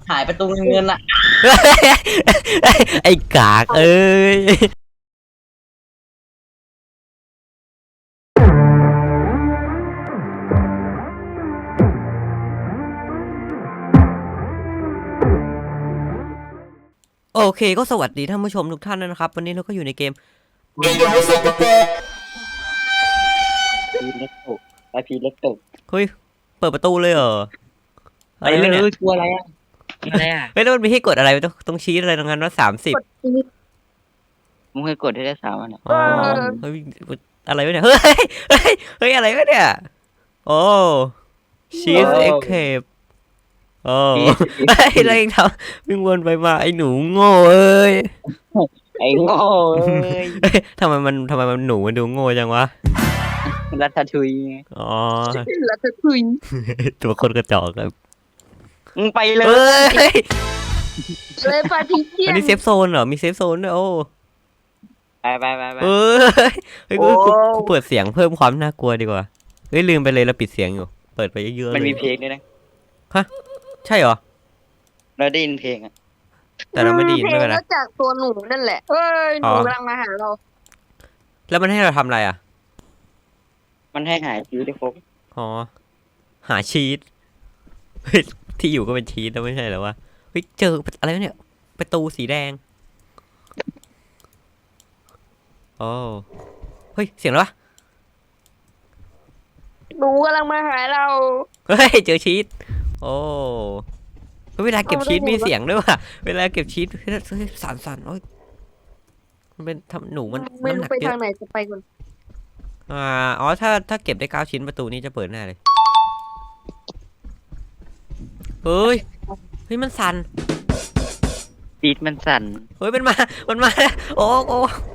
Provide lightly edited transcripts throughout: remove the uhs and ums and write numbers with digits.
หายประตูเงินอ่ะไอ้กากเอ้ยโอเคก็สวัสดีท่านผู้ชมทุกท่านนะครับวันนี้เราก็อยู่ในเกมพีเล็กตกไปพีเล็กตกเฮ้ยเปิดประตูเลยเหรอไปเลยกลัวอะไรอ่ะอะไรอ่ะเฮ้ยแล้วมันมีให้กดอะไรต้องชี้อะไรตรงนั้นว่า30 มึงเคยกดได้3 อันอ๋อเฮ้ยอะไรวะเนี่ยเฮ้ยเฮ้ยอะไรวะเนี่ยโอ้ชีสเอ็กเคปโอ้ไอ้อะไรทำวิ่งวนไปมาไอ้หนูโง่เอ้ยไอ้โง่เอ้ยทำไมมันหนูมันดูโง่จังวะรัตทุยอ๋อรัตทุยตัวคนกระจอกครับมึงไปเลเฮ้ยยเลยปาทิเทียอันนนี้เซฟโซนเหรอมีเซฟโซนด้วยโอ้ไปเฮ้ยเฮ้ยกูเปิดเสียงเพิ่มความน่ากลัวดีกว่าเฮ้ยลืมไปเลยเราปิดเสียงอยู่เปิดไปเยอะๆเลยมันมีเพลงด้วยนะใช่เหรอเราได้ยินเพลงอ่ะแต่เราไม่ได้ยินเพลไม่งเป็นไรก็จากตัวหนูนั่นแหละเอ้ยหนูกำลังมาหาเราแล้วมันให้เราทำอะไรอ่ะมันให้หายชีวิตได้ครบอ๋อหาชีสเฮ้ยที่อยู่ก็เป็นชีสแล้วไม่ใช่เหรอวะเฮ้ยเจออะไรวะเนี่ยประตูสีแดงโอ้เฮ้ยเสียงอะไรวะหนูกำลังมาหาเราเฮ้ยเจอชีสโอ้เวลาเก็บชีสมีเสียงด้วยว่ะเวลาเก็บชีสสั่นโอ้ยมันเป็นทำหนูมันไม่น้ำหรู้นักไปเยทาอะงไหนจะไปก่อนอ๋อถ้าเก็บได้9 ชิ้นประตูนี้จะเปิดแน่เลยเฮ้ยมันสั่นปีดมันสั่นเฮ้ยมันมาโอ้โอ้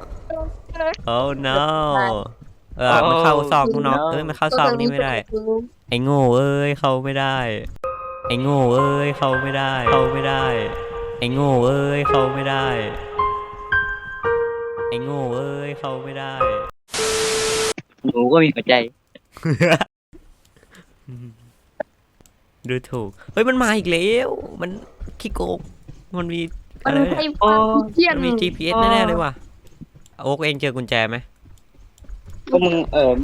no มันเข้าซอกนอกมันเข้าซอกนี่ไม่ได้ไอ้โง่เอ้ยเข้าไม่ได้ไอ้โง่เอ้ยเข้าไม่ได้ไอ้โง่เอ้ยเข้าไม่ได้ไอ้โง่เอ้ยเข้าไม่ได้หนูก็มีหัวใจดูถูกเฮ้ยมันมาอีกแล้วมันขี้โกงมันมีมัอะนไรใช้เนี่ยปาทิเทียนมันมี GPS แน่ๆเลยว่ะโอ๊กเองเจอกุญแจไหมก็มึง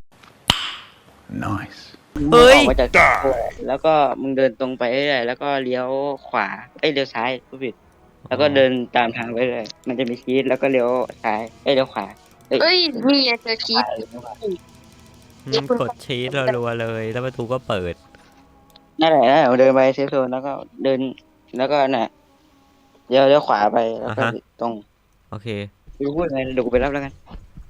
Nice. เฮ้ยออกมาจากตัวแล้วก็มึงเดินตรงไปเรื่อยๆแล้วก็เลี้ยวขวาเลี้ยวซ้ายผู้ผิดแล้วก็เดินตามทางไปเลยมันจะมีชีสแล้วก็เลี้ยวซ้ายเลี้ยวขวาเอ้ยนี่ไงเจอชีสกดชีสรัวๆเลยแล้วประตูก็เปิดนั่นแหละเดินไปเซฟโซนแล้วก็เดินแล้วก็น่ะเลี้ยวขวาไปแล้วก็ตรงโอเคดูพูดไงเดี๋ยวกูไปรับแล้วกัน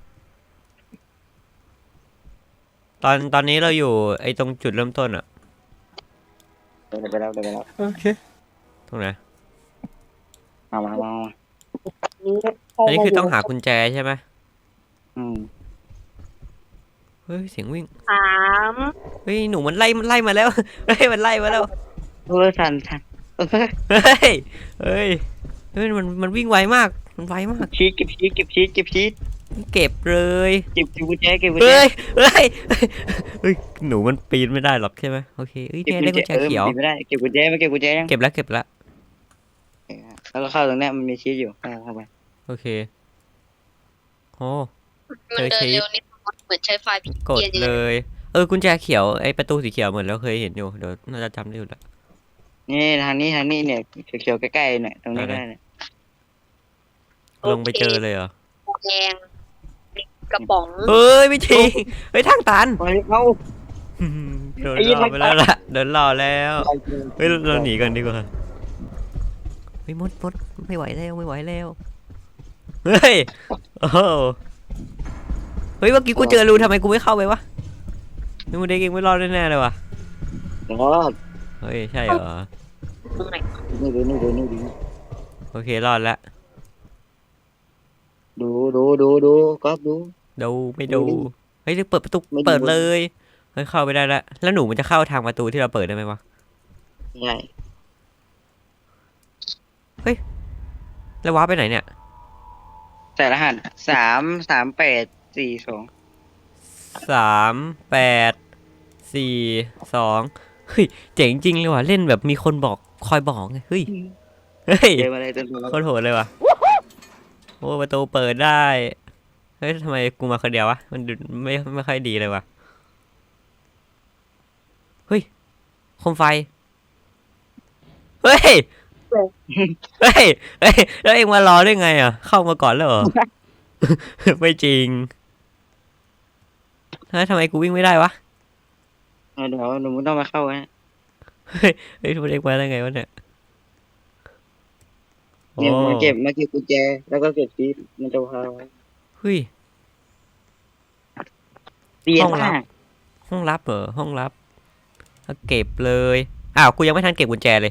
ตอนนี้เราอยู่ไอ้ตรงจุดเริ่มต้นอะเดี๋ยวไปรับโอเคตรงไหนมาอันนี้คือต้องหากุญแจใช่ไหม เฮ้ยเสียงวิ่ง 3 เฮ้ยหนูมันไล่มาแล้วเฮ้ยมันไล่มาแล้วทันเฮ้ยมันวิ่งไวมากมันไวมากชีสเก็บชีสเก็บเลยเก็บกุญแจเฮ้ยหนูมันปีนไม่ได้หรอกใช่ไหมโอเคเอ้ยเนี่ยได้กุญแจเขียวไม่ได้เก็บกุญแจไม่เก็บกุญแจยังเก็บแล้วแล้วก็เข้าตรงนี้มันมีชีสอยู่เข้าไปโอเคโอ้มันเดินเร็วนิดเหมือนใช้ไฟล์กดเลยกุญแจเขียวไอประตูสีเขียวเหมือนเราเคยเห็นอยู่เดี๋ยวน่าจะจำได้อยู่แล้วนี่ทางนี้เนี่ยเขียวใกล้ๆเนี่ยตรงนี้ก็ได้เนี่ยลงไปเจอเลยเหรอแดงกระป๋องเฮ้ยไม่จริงเฮ้ยทางตันไปเอาโดนล่อไปแล้วล่ะโดนล่อแล้วเฮ้ยเราหนีกันดีกว่าเฮ้ยมดไม่ไหวแล้วเฮ้ยโอ้เฮ้ยเมื่อกี้กูเจอรูทำไมกูไม่เข้าไปวะนี่มึงเด็กเองไม่รอดแน่ๆเลยวะรอดเฮ้ยใช่เหรอตรงไหนนี่ดูโอเครอดแล้วดูก๊อฟดูดูไม่ดูเฮ้ยเปิดประตูเปิดเลยเฮ้ยเข้าไปได้แล้วหนูมันจะเข้าทางประตูที่เราเปิดได้ไหมวะใช่แล้วว้าร์ปไปไหนเนี่ยใส่รหัส33842 3 8 4 2เฮ้ยเจ๋งจริงเลยว่ะเล่นแบบมีคนบอกคอยบอกไงเฮ้ยเฮ้ยเจออะไรตัวโคตรโหดเลยว่ะโอ้ประตูเปิดได้เฮ้ยทำไมกูมาคนเดียววะมันดูไม่ค่อยดีเลยว่ะเฮ้ยโคมไฟเฮ้ยเฮ้ยเฮ้ยแล้วเอ็งมารอได้ไงอ่ะเข้ามาก่อนแล้วเหรอ ไม่จริงเฮ้ยทำไมกูวิ่งไม่ได้วะเดี๋ยวหนูต้องมาเข้านะเฮ้ยเฮ้ยทุกเอ็กมาได้ไงวะเนี่ยโอ้เนี่ยมาเก็บกุญแจแล้วก็เก็บชีสมันจะพาไว้เฮ้ยเสียห้องลัมาบกห้องลับเหรอห้องลับเอาเก็บเลยอ้าวกูยังไม่ทันเก็บกุญแจเลย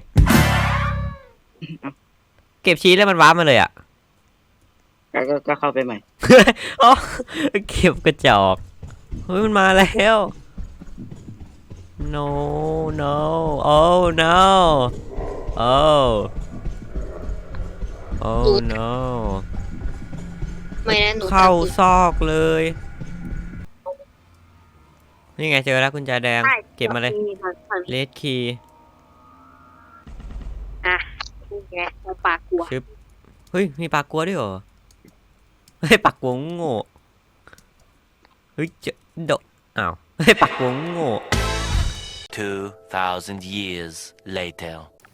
เก็บชีสแล้วมันว้าร์ปมาเลยอ่ะก็เข้าไปใหม่อ๋อเก็บกระจอกเฮ้ยมันมาแล้ว no no oh no oh oh no ไม่นะหนูเข้าจำผิดซอกเลย นี่ไงเจอแล้วกุญแจแดงใช่เก็บมาเลยทางเลดคีย์อ่ะนี่ไงตรงปากกลัวเฮ้ยมีปลากกัวด้วยเหรอเฮ้ยปลากกัวโง่เฮ้ยเจโดอ้าวเฮ้ยปลากกัวโง่ 2,000 years later.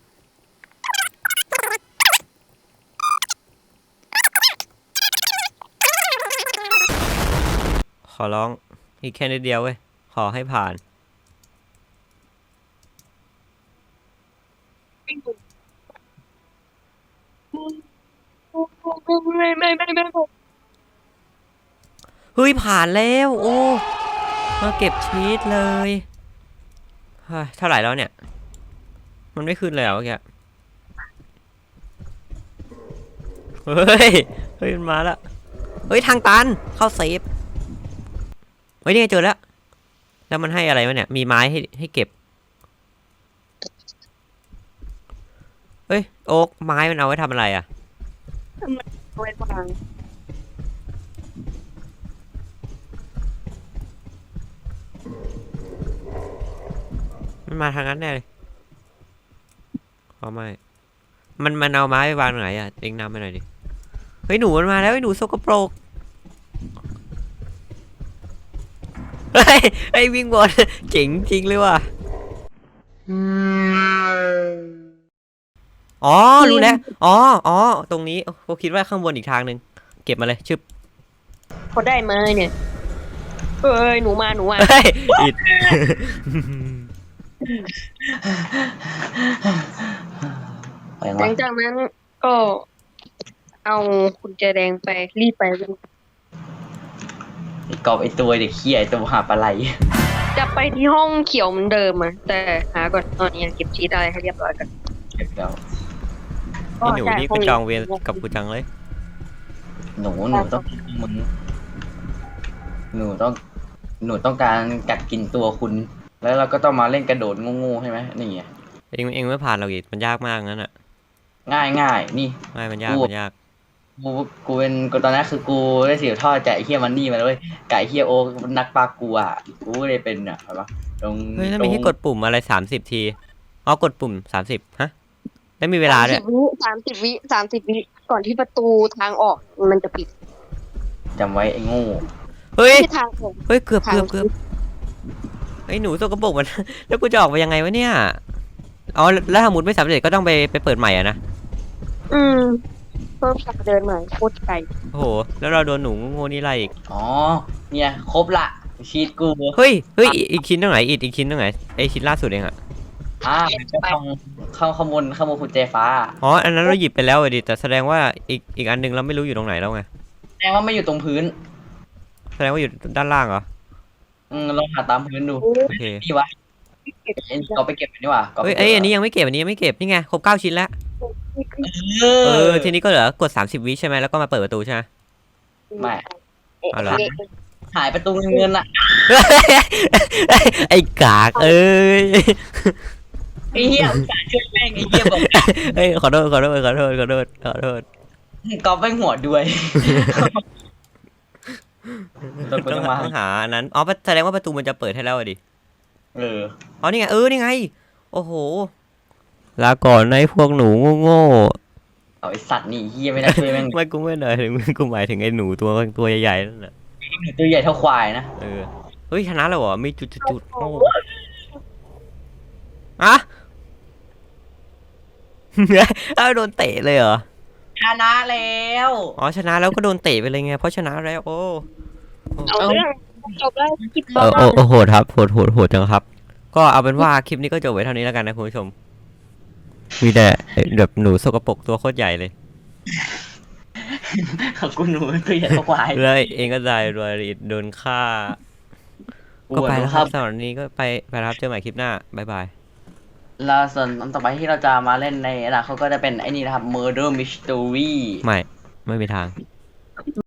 ขอร้องอีกแค่นิดเดียวเว้ยขอให้ผ่าน เฮ้ยผ่านแล้วโอ้มาเก็บชีสเลยเฮ้ยเท่าไหร่แล้วเนี่ย มันไม่ขึ้นเลยเหรอเมื่อกี้เฮ้ยเฮ้ยมันมาแล้วเฮ้ยทางตันเข้าเซฟเฮ้ยนี่ไงเจอแล้วแล้วมันให้อะไรวะเนี่ยมีไม้ให้เก็บเฮ้ยโอ๊กไม้มันเอาไว้ทำอะไรอ่ะเอาไว้วางมันมาทางนั้นแน่เลยอ๋อไม่ มันเอาไม้ไปวางไหนอ่ะเอ็งนำไปหน่อยดิ เฮ้ยหนูมันมาแล้วไอ้หนูสกปรกเฮ้ยไอ้วิ่งบน เจ๋งจริงเลยว่ะ อ๋อรู้แล้วอ๋อตรงนี้ผมคิดว่าข้างบนอีกทางหนึ่งเก็บมาเลยชึบพอได้มาเนี่ยเอ้ยหนูมาเฮ้ยอิดหลังจากนั้นก็เอากุญแจแดงไปรีบไปไอ้กอบไอ้ตัวเด็กเขี้ยไอ้ตัวหาปลาไหลจะไปที่ห้องเขียวเหมือนเดิมอ่ะแต่หาก่อนตอนนี้เก็บชีตอะไรให้เรียบร้อยกันเก็บแล้วนี่หนูนี่ก็จองเวรกับกูจังเลยหนูต้องมึงหนูต้องหนูต้องการกัดกินตัวคุณ แล้วเราก็ต้องมาเล่นกระโดดงูๆใช่ไหมนี่ไงเองไม่ผ่านเราอีกมันยากมากงั้นอ่ะง่ายนี่ไม่มันยากกูเป็นกูตอนนั้นคือกูได้สืบทอดจากไอ้เฮียมันนี่มาเลยไก่เฮียโอนักปลากูอ่ะกูเลยเป็นอ่ะเห็นปะตรงเฮ้ยแล้วมีให้กดปุ่มอะไร30 ทีอ๋อกดปุ่ม30ฮะแล้วมีเวลาด้วย 30 วิก่อนที่ประตูทางออกมันจะปิดจำไว้ไอ้โง่เฮ้ยที่ทางออกเฮ้ยเกือบไอ้หนูสกปรกมัน แล้วกูจะออกไปยังไงวะเนี่ยอ๋อแล้วถ้าหมุดไม่สำเร็จก็ต้องไปเปิดใหม่อะนะเพิ่มจากเดินใหม่โคตรไกลโอ้โหแล้วเราโดนหนูโง่นี่ไล่อีกอ๋อเนี่ยครบละชีตกูเฮ้ยอีกชิ้นตรงไหนอีกชิ้นตรงไหนไอชิ้นล่าสุดเองอะก็ต้องเข้าขโมยกุญแจฟ้าอ๋ออันนั้นเราหยิบไปแล้วอะดิแต่แสดงว่าอีกอันนึงเราไม่รู้อยู่ตรงไหนแล้วไงแสดงว่าไม่อยู่ตรงพื้นแสดงว่าอยู่ด้านล่างเหรอลองหาตามพื้นดูโอเคนี่วะก็ไปเก็บมันดีกว่าเฮ้ยอันนี้ยังไม่เก็บนี่ไงครบ9 ชิ้นแล้วเออทีนี้ก็เหลือกด30 วิใช่ไหมแล้วก็มาเปิดประตูใช่ไหมไม่เอาเหรอหายประตูเงินอ่ะไอ้กากเอ้ยไอ้เหี้ยสาช่วยแม่งไอ้เหี้ยบอกเฮ้ยขอโทษกอบแม่งหัวด้วยต้องหาอันนั้นอ๋อแสดงว่าประตูมันจะเปิดให้แล้วอะดิเอออ๋อนี่ไงนี่ไงโอ้โหลาก่อนนะไอ้พวกหนูโง่เอาไอสัตว์นี่เฮียไม่ได้ช่วยแม่งๆไม่กูไม่หน่อยถึงกูหมายถึงไอ้หนูตัวใหญ่ๆนั่นแหละตัวใหญ่เท่าควายนะเออเฮ้ยชนะแล้วเหรอมีจุดโอ้อะ เอาโดนเตะเลยเหรอชนะแล้วอ๋อชนะแล้วก็โดนเตะไปเลยไงเพราะชนะแล้วโอ้เอาเรื่องจบแล้วคลิปเออโอ้โหดครับโหดจังครับ ก็เอาเป็นว่าคลิปนี้ก็จบไว้เท่านี้แล้วกันนะคุณผู้ชม มีแต่แบบหนูสกปรกตัวโคตรใหญ่เลยกูหนูตัวใหญ่เท่าควายเลยเองก็ได้รวยโดนฆ่า ก็ไปแล้วครับสำหรับวันนี้ก็ไปแล้วครับเจอใหม่คลิปหน้าบ๊ายบายแล้วส่วนอันต่อไปที่เราจะมาเล่นในอนาคตก็จะเป็นไอ้นี่นะครับ Murder Mystery ไม่มีทาง